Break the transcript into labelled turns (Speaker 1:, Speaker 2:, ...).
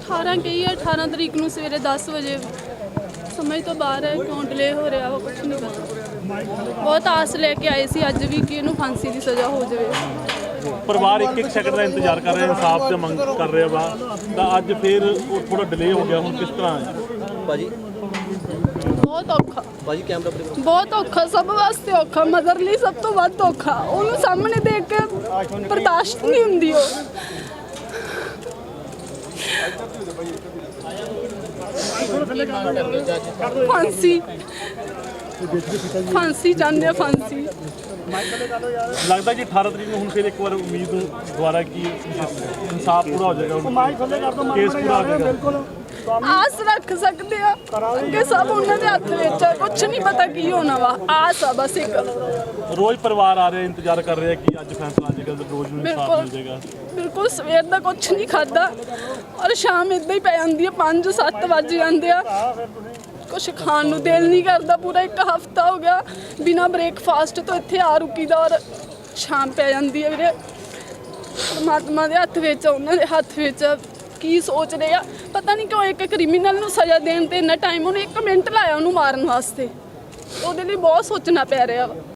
Speaker 1: 18 ਕਹੀ ਹੈ, 18 ਤਰੀਕ ਨੂੰ ਸਵੇਰੇ 10 ਵਜੇ। ਸਮਝ ਤੋਂ ਬਾਹਰ ਹੈ, ਕਿਉਂ ਡਿਲੇ ਹੋ ਰਿਹਾ ਉਹ ਕੁਛ ਨਹੀਂ ਪਤਾ। ਬਹੁਤ ਆਸ ਲੈ ਕੇ ਆਏ ਸੀ ਅੱਜ ਵੀ ਕਿ ਇਹਨੂੰ ਫਾਂਸੀ ਦੀ ਸਜ਼ਾ ਹੋ ਜਾਵੇ।
Speaker 2: ਪਰਿਵਾਰ ਇੱਕ ਸੈਕਿੰਡ ਦਾ ਇੰਤਜ਼ਾਰ ਕਰ ਰਿਹਾ, ਇਨਸਾਫ ਦੀ ਮੰਗ ਕਰ ਰਿਹਾ ਵਾ, ਤਾਂ ਅੱਜ ਫਿਰ ਉਹ ਥੋੜਾ ਡਿਲੇ ਹੋ ਗਿਆ। ਹੁਣ ਕਿਸ ਤਰ੍ਹਾਂ ਹੈ
Speaker 3: ਭਾਜੀ?
Speaker 1: ਬਹੁਤ ਔਖਾ
Speaker 3: ਭਾਜੀ ਕੈਮਰਾ
Speaker 1: ਬਹੁਤ ਔਖਾ, ਸਭ ਵਾਸਤੇ ਔਖਾ, ਮਦਰ ਲਈ ਸਭ ਤੋਂ ਵੱਧ ਔਖਾ। ਉਹਨੂੰ ਸਾਹਮਣੇ ਦੇਖ ਕੇ ਬਰਦਾਸ਼ਤ ਨਹੀਂ ਹੁੰਦੀ। ਉਹ ਫਾਂਸੀ ਫਾਂਸੀ ਚਾਹੁੰਦੇ ਆ, ਫਾਂਸੀ।
Speaker 2: ਲੱਗਦਾ ਕਿ 18 ਤਰੀਕ ਨੂੰ ਹੁਣ ਫਿਰ ਇੱਕ ਵਾਰ ਉਮੀਦ ਦੁਬਾਰਾ ਕਿ ਇਨਸਾਫ ਪੂਰਾ ਹੋ ਜਾਏਗਾ, ਕੇਸ ਪੂਰਾ ਹੋ ਜਾਏਗਾ।
Speaker 1: ਆਸ ਰੱਖ ਸਕਦੇ ਆ, ਅੱਗੇ ਸਭ ਉਹਨਾਂ ਦੇ ਹੱਥ ਵਿੱਚ ਆ, ਕੁਛ ਨਹੀਂ ਪਤਾ ਕੀ ਹੋਣਾ ਵਾ। ਆਸ ਆ ਬਸ ਇੱਕ।
Speaker 2: ਰੋਜ਼ ਪਰਿਵਾਰ ਆ ਰਿਹਾ, ਇੰਤਜ਼ਾਰ ਕਰ ਰਿਹਾ ਕਿ ਅੱਜ ਫੈਸਲਾ ਆ ਜਾਏਗਾ, ਰੋਜ਼ ਨੂੰ ਇਨਸਾਫ ਮਿਲ ਜਾਏਗਾ।
Speaker 1: ਬਿਲਕੁਲ ਸਵੇਰ ਦਾ ਕੁਛ ਨਹੀਂ ਖਾਦਾ ਔਰ ਸ਼ਾਮ ਇਦਾਂ ਹੀ ਪੈ ਜਾਂਦੀ ਹੈ, 5-7 ਵੱਜ ਜਾਂਦੇ ਆ। ਕੁਛ ਖਾਣ ਨੂੰ ਦਿਲ ਨਹੀਂ ਕਰਦਾ। ਪੂਰਾ ਇੱਕ ਹਫਤਾ ਹੋ ਗਿਆ ਬਿਨਾਂ ਬ੍ਰੇਕਫਾਸਟ ਤੋਂ ਇੱਥੇ ਆ ਰੁਕੀ ਦਾ ਔਰ ਸ਼ਾਮ ਪੈ ਜਾਂਦੀ ਹੈ। ਵੀਰੇ ਪਰਮਾਤਮਾ ਦੇ ਹੱਥ ਵਿੱਚ, ਉਹਨਾਂ ਦੇ ਹੱਥ ਵਿੱਚ ਕੀ ਸੋਚ ਰਹੇ ਆ ਪਤਾ ਨਹੀਂ। ਕਿਉਂ ਇੱਕ ਕ੍ਰਿਮੀਨਲ ਨੂੰ ਸਜ਼ਾ ਦੇਣ ਤੇ ਇੰਨਾ ਟਾਈਮ? ਉਹਨੇ 1 ਮਿੰਟ ਲਾਇਆ ਉਹਨੂੰ ਮਾਰਨ ਵਾਸਤੇ। ਉਹਦੇ ਲਈ ਬਹੁਤ ਸੋਚਣਾ ਪੈ ਰਿਹਾ ਵਾ।